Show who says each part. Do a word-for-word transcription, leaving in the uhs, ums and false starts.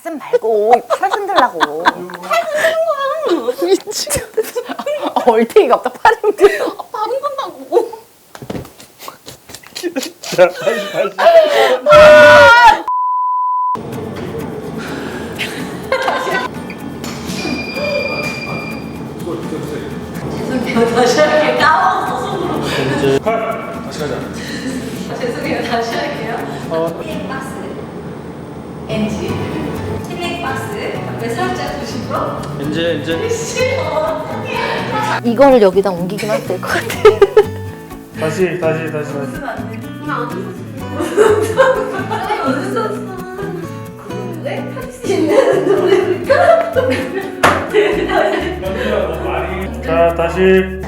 Speaker 1: 가슴 말고 팔 흔들라고. 팔 흔드는 거야. 미치겠어. 얼탱이가 없다. 팔 흔들어. 팔 흔든다고.
Speaker 2: 자, 다시 다시.
Speaker 3: 죄송해요. 다시 할게요. 까먹었어, 손으로.
Speaker 2: 이제 칼 다시 가자.
Speaker 3: 아, 죄송해요. 다시 할게요.
Speaker 2: 어.
Speaker 3: 힐링 박스. 엔지. 힐링 박스. 옆에 살짝 두시고.
Speaker 2: 이제 이제
Speaker 3: 싫어.
Speaker 1: 이거를 여기다 옮기기만 될 것 같아.
Speaker 2: 다시 다시 다시 다시.
Speaker 3: 웃으면 안 돼. 나안 웃었어. 아니, 웃었어. 왜? 할수 있는 노래니까.
Speaker 2: 자 다시.